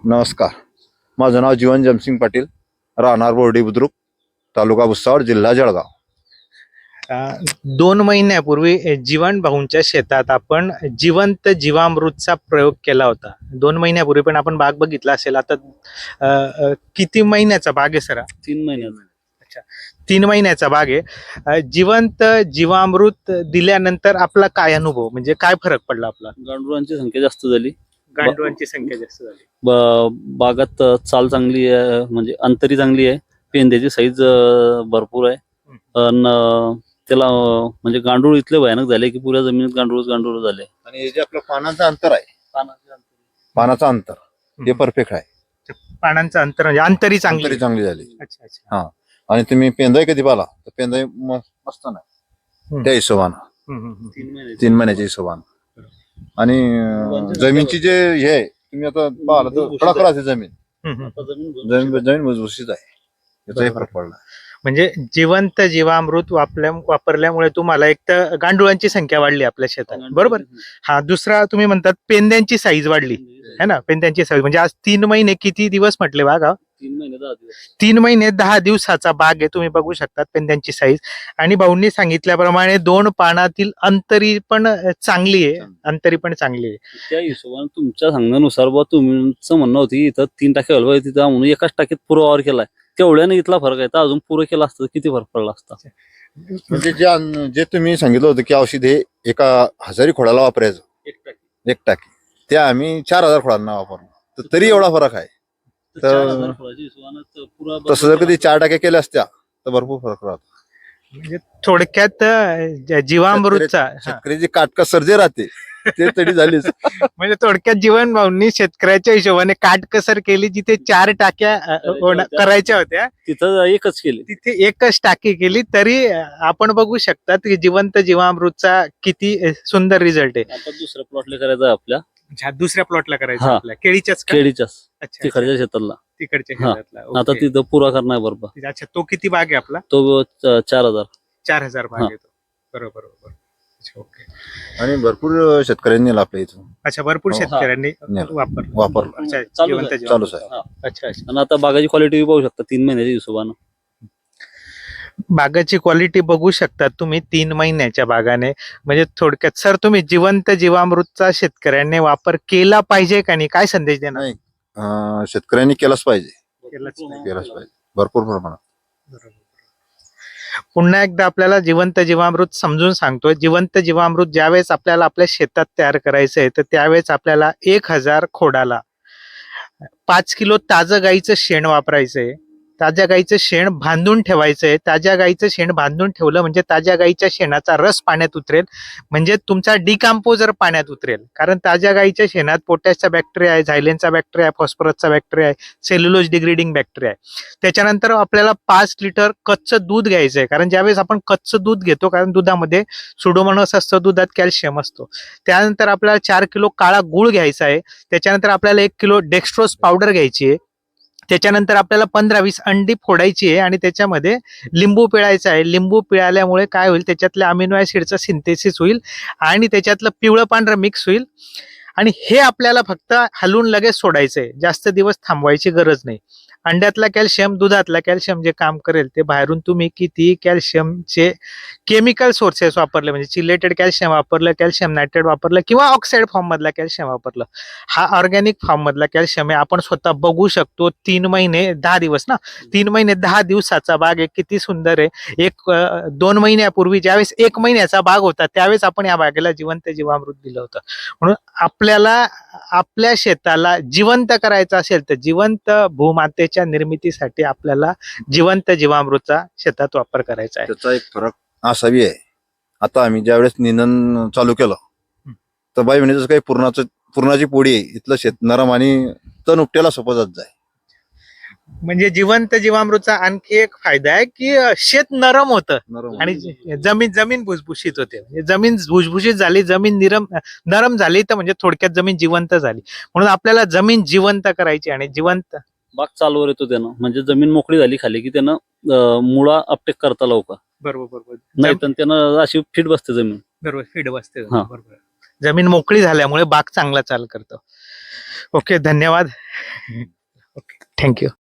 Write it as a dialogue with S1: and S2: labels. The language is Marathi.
S1: नमस्कार. माझं नाव जीवन जमसिंग पाटील, राहणार बोर्डी बुद्रुक, तालुका भुसावळ, जिल्हा जळगाव.
S2: 2 महिन्यापूर्वी जीवन भाऊंच्या शेतात आपण जिवंत जीवामृतचा प्रयोग केला होता. 2 महिन्यापूर्वी पण आपण बाग बघितला असेल. आता किती महिन्याचा बाग आहे सर?
S3: 3 महिन्याचा.
S2: अच्छा, 3 महिन्याचा बाग आहे. जिवंत जीवामृत दिल्यानंतर आपला काय अनुभव, म्हणजे काय फरक पडला? आपला
S3: गांडुळांची संख्या जास्त झाली,
S2: गांडुळांची संख्या जास्त झाली,
S3: बागात चाल चांगली आहे, म्हणजे अंतरी चांगली आहे, पेंद्याची साईज भरपूर आहे. अन त्याला म्हणजे गांडूळ इतके भयानक झाले की पुऱ्या जमिनीत गांडूळ झाले.
S1: आणि हे जे आपलं पानाचं अंतर आहे, पानाचं अंतर हे परफेक्ट आहे.
S2: पानांचं अंतर म्हणजे अंतरी
S1: अंतरी चांगली झाली.
S2: अच्छा अच्छा.
S1: हा, आणि तुम्ही पेंदाय कधी पाला तर पेंदाय मस्त नाही त्या हिशोबानं 3 महिन्याच्या हिशोबानं. आणि जमीनची जे हे आहे, तुम्ही आता पाहिलं तर खडाखड आहे जमीन, जमीन भुसभुशीत आहे, याचाही फरक पडला.
S2: म्हणजे जिवंत जीवामृत वापरल्यामुळे तुम्हाला एक तर गांडुळांची संख्या वाढली आपल्या शेतात, बरोबर. हा, दुसरा तुम्ही म्हणतात पेंद्यांची साईज वाढली है ना. पेंद्यांची साईज म्हणजे आज 3 महिने किती दिवस म्हटले बागा?
S3: 3 महिने 10 दिवस.
S2: 3 महिने 10 दिवसाचा बाग आहे. तुम्ही बघू शकतात पेंद्यांची साईज. आणि भाऊंनी सांगितल्याप्रमाणे 2 पानातील अंतरी पण चांगली आहे, अंतरी पण चांगली आहे.
S3: त्या हिशोबाने तुमच्या सांगण्यानुसार तुमचं म्हणणं होतं इथं 3 टाके हलवा, तिथं म्हणून एकाच टाकीत पुरा वावर केलाय. तेवढ्याने इथला फरक आहे, तर अजून पुरं केला असतं किती फरक पडला असता.
S1: म्हणजे जे तुम्ही सांगितलं होतं की औषध हे एका 1000 खोडाला वापरायचं, एक टाकी, ते आम्ही 4000 खोडांना वापरलो, तर तरी एवढा फरक आहे. तसं जर कधी 4 टाक्या केल्या असत्या तर भरपूर फरक राहतो.
S2: म्हणजे थोडक्यात जीवामृतचा
S1: शेतकऱ्याची काटकसर जे राहते ते तरी झालीच.
S2: म्हणजे थोडक्यात जीवन भाऊंनी शेतकऱ्याच्या हिशोबाने काटकसर केली. जिथे 4 टाक्या करायच्या होत्या
S3: तिथं एकच केली,
S2: तिथे एकच टाकी केली. तरी आपण बघू शकतात की जिवंत जीवामृतचा किती सुंदर रिझल्ट आहे.
S3: आता दुसऱ्या प्लॉटला करायचा आहे आपल्या.
S2: दुसऱ्या प्लॉटला करायचं
S3: हा.
S2: आपल्या केळीच्याच
S3: केळीच्याच
S2: अच्छा,
S3: तिकडच्या शेताला.
S2: तिकडच्या
S3: हा.
S2: शेतातला.
S3: आता
S2: ओके.
S3: तिथं पुरा करणार बरोबर.
S2: अच्छा, तो किती बाग आहे आपला?
S3: तो 4000.
S2: 4000 बाग
S3: हा.
S2: आहे तो. बरोबर बरोबर. अच्छा, ओके.
S1: आणि भरपूर शेतकऱ्यांनी नेला आपल्या इथून.
S2: अच्छा, भरपूर
S1: हो.
S2: शेतकऱ्यांनी
S1: नेलं.
S2: वापरलं.
S1: वापरलं.
S2: अच्छा,
S3: चालूच
S2: जिवंत
S3: आहे.
S2: जीवामृत.
S1: चालूच आहे.
S3: हा.
S2: अच्छा अच्छा.
S3: आणि आता बागाची क्वालिटी पाहू शकता 3 महिन्याच्या हिशोबानं.
S2: बागाची क्वालिटी बघू शकता तुम्ही 3 महिन्याच्या बागाने. म्हणजे थोडक्यात सर, तुम्ही जिवंत जीवामृतचा शेतकऱ्यांनी वापर केला पाहिजे का नाही, काय संदेश देणार?
S1: नाही, शेतकऱ्यांनी केलाच पाहिजे,
S2: केलाच पाहिजे.
S1: केलाच पाहिजे भरपूर प्रमाणात.
S2: बरोबर. पुन्हा एकदा आपल्याला जिवंत जीवामृत समजून सांगतो. जिवंत जीवामृत ज्यावेळेस आपल्याला आपल्या शेतात तयार करायचं आहे, तर त्यावेळेस आपल्याला 1000 खोडाला 5 किलो ताजं गाईचं शेण वापरायचंय. ताज्या गाईचं शेण बांधून ठेवायचंय. ताज्या गाईचं शेण बांधून ठेवलं म्हणजे ताज्या गाईच्या शेणाचा रस पाण्यात उतरेल, म्हणजे तुमचा डिकम्पोजर पाण्यात उतरेल. कारण ताज्या गाईच्या शेणात पोटॅशचा बॅक्टेरिया आहे, झायलेनचा बॅक्टेरिया आहे, फॉस्फरसचा बॅक्टेरिया आहे, सेल्युलोज डिग्रेडिंग बॅक्टेरिया आहे. त्याच्यानंतर आपल्याला 5 लिटर कच्चं दूध घ्यायचं आहे. कारण ज्यावेळेस आपण कच्चं दूध घेतो, कारण दुधामध्ये सुडोमोनास असतं, दुधात कॅल्शियम असतो. त्यानंतर आपल्याला 4 किलो काळा गुळ घ्यायचा आहे. त्याच्यानंतर आपल्याला 1 किलो डेक्स्ट्रोज पावडर घ्यायची आहे. त्याच्यानंतर आपल्याला 15-20 अंडी फोडायची आहे आणि त्याच्यामध्ये लिंबू पिळायचा आहे. लिंबू पिळाल्यामुळे काय होईल, त्याच्यातल्या अमिनो ऍसिडचं सिंथेसिस होईल आणि त्याच्यातलं पिवळं पांढरं मिक्स होईल. आणि हे आपल्याला फक्त हलवून लगेच सोडायचंय, जास्त दिवस थांबवायची गरज नाही. अंड्यातला कॅल्शियम, दुधातला कॅल्शियम जे काम करेल ते बाहेरून तुम्ही किती कॅल्शियमचे केमिकल सोर्सेस वापरले, म्हणजे चिलेटेड कॅल्शियम वापरलं, कॅल्शियम नायट्रेट वापरलं किंवा ऑक्साईड फॉर्म मधला कॅल्शियम वापरलं, हा ऑर्गॅनिक फॉर्म मधला कॅल्शियम आहे. आपण स्वतः बघू शकतो. 3 महिने 10 दिवस ना, 3 महिने 10 दिवसाचा बाग आहे. किती सुंदर आहे. 2 महिन्यापूर्वी ज्यावेळेस 1 महिन्याचा बाग होता, त्यावेळेस आपण या बागेला जिवंत जीवामृत दिलं होतं. म्हणून आपल्याला आपल्या शेताला जिवंत करायचं असेल तर जिवंत भूमातेच्या निर्मितीसाठी आपल्याला जिवंत जीवामृतचा शेतात वापर करायचा आहे.
S1: त्याचा एक फरक असावी आहे. आता आम्ही ज्यावेळेस निंदन चालू केलं तर बाई म्हणजे जसं काही पूर्णाची पोळी आहे, इथलं शेत नरम आणि तण उपट्याला सोपं जात जाय.
S2: म्हणजे जिवंत जीवामृतचा आणखी एक फायदा आहे की शेत नरम होतं आणि जमीन भुसभुशीत होते. म्हणजे जमीन भुसभुशीत झाली, जमीन नरम झाली, तर म्हणजे थोडक्यात जमीन जिवंत झाली. म्हणून आपल्याला जमीन जिवंत करायची आणि जिवंत
S3: बाग चालवर येतो त्यानं, म्हणजे जमीन मोकळी झाली खाली की त्यानं मुळा अपटेक करता लवकर.
S2: बरोबर बरोबर.
S3: नाही तर त्यानं अशी फिट बसते जमीन.
S2: बरोबर, फीड बसते.
S3: हा.
S2: बरोबर. जमीन मोकळी झाल्यामुळे बाग चांगला चाल करतो. ओके, धन्यवाद. Okay, thank you.